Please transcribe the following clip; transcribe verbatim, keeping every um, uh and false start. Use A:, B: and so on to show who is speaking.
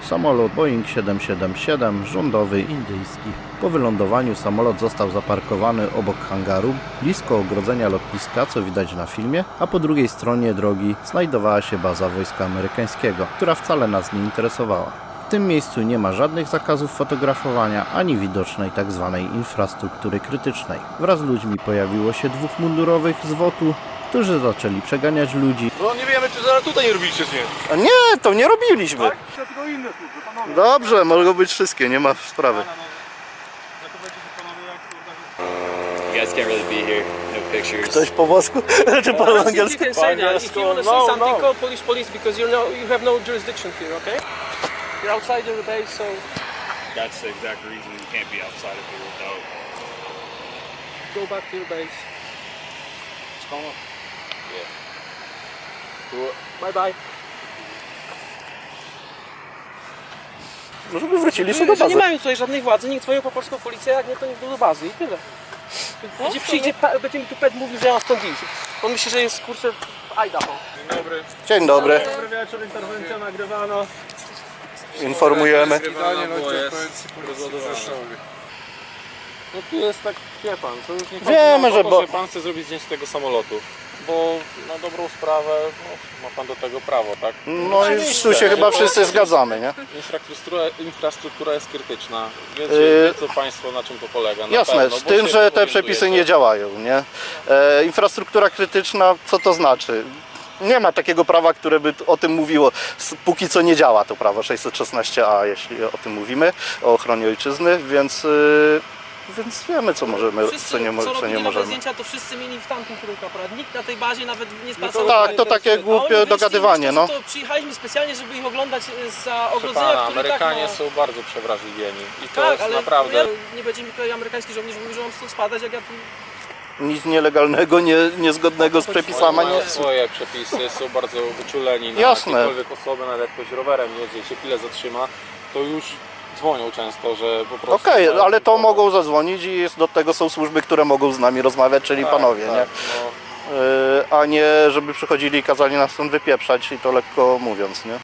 A: samolot Boeing siedem siedem siedem, rządowy indyjski. Po wylądowaniu samolot został zaparkowany obok hangaru, blisko ogrodzenia lotniska, co widać na filmie, a po drugiej stronie drogi znajdowała się baza wojska amerykańskiego, która wcale nas nie interesowała. W tym miejscu nie ma żadnych zakazów fotografowania, ani widocznej tzw. infrastruktury krytycznej. Wraz z ludźmi pojawiło się dwóch mundurowych z wotu, którzy zaczęli przeganiać ludzi.
B: No nie wiemy, czy zaraz tutaj nie robiliście, czy nie?
A: A nie, to nie robiliśmy.
B: Tak? Tylko inne służby, panowie.
A: Dobrze, mogą być wszystkie, nie ma sprawy.
C: You guys can't really be here. No pictures.
A: Ktoś po włosku? Czy po
D: You
A: angielsku?
D: can say that. If you want to say
B: No,
D: something,
B: no.
D: call police, police, because you're no, you have no jurisdiction here, okay? You're outside of the base, so
C: That's the exact reason you can't be outside of here without.
D: go back to your base. Bye bye.
A: No żeby wrócili sobie
D: Że
A: do
D: nie
A: bazy.
D: mają tutaj żadnej władzy, niech dzwonią po polską policję, jak nie to niech do bazy i tyle. Będzie przyjdzie, pa- będzie mi tu pet mówił, że ja mam stąd iść. On myśli, że jest kurczę w Idaho.
B: Dzień dobry.
A: Dzień dobry,
B: Dobry wieczór, interwencja nagrywana.
A: informujemy.
B: Witanie, no No tu jest tak, wie pan, to już nie chodzi
A: Wiemy,
B: o to,
A: że bo-
B: że pan chce zrobić zdjęcie tego samolotu. Bo na dobrą sprawę no, ma pan do tego prawo, tak?
A: No i tu się chyba wszyscy zgadzamy, nie?
B: Infrastruktura, infrastruktura jest krytyczna. Wiecie,
A: Yy,
B: wiecie państwo, na czym to polega. Na
A: Jasne,
B: pewno,
A: z
B: bo
A: tym,
B: się
A: że te
B: orientujecie.
A: przepisy nie działają, nie? E, infrastruktura krytyczna, co to znaczy? Nie ma takiego prawa, które by o tym mówiło. S- Póki co nie działa to prawo sześćset szesnaście a, jeśli o tym mówimy, o ochronie ojczyzny, więc, y, więc wiemy, co możemy,
D: Wszyscy,
A: co nie, mo-
D: co
A: co nie
D: robili nowe
A: możemy.
D: zdjęcia, to wszyscy mieli w tamtym kierunku aparat. Nikt na tej bazie nawet nie
B: to
D: spasował.
A: Tak, to takie głupie dogadywanie, no.
D: To przyjechaliśmy specjalnie, żeby ich oglądać za
B: Proszę
D: ogrodzenia,
B: pana,
D: które
B: Amerykanie
D: tak ma...
B: są bardzo przewrażliwieni. I to
D: Tak,
B: jest
D: ale
B: naprawdę...
D: ja, nie będzie mi tutaj amerykański żołnierz mówił, że mam stąd spadać, jak ja tu...
A: Nic nielegalnego, nie, niezgodnego z
B: Oni
A: przepisami.
B: mają
A: Nie.
B: swoje przepisy, są bardzo wyczuleni na
A: Jasne.
B: jakiekolwiek osoby, nawet jak ktoś rowerem jedzie i się chwilę zatrzyma, to już dzwonią często, że po prostu...
A: Okej,
B: mają
A: ale to
B: pomoc.
A: mogą zadzwonić i jest, do tego są służby, które mogą z nami rozmawiać, czyli
B: Tak,
A: panowie,
B: tak,
A: nie?
B: no.
A: Yy, a nie żeby przychodzili i kazali nas stąd wypieprzać i to lekko mówiąc, nie?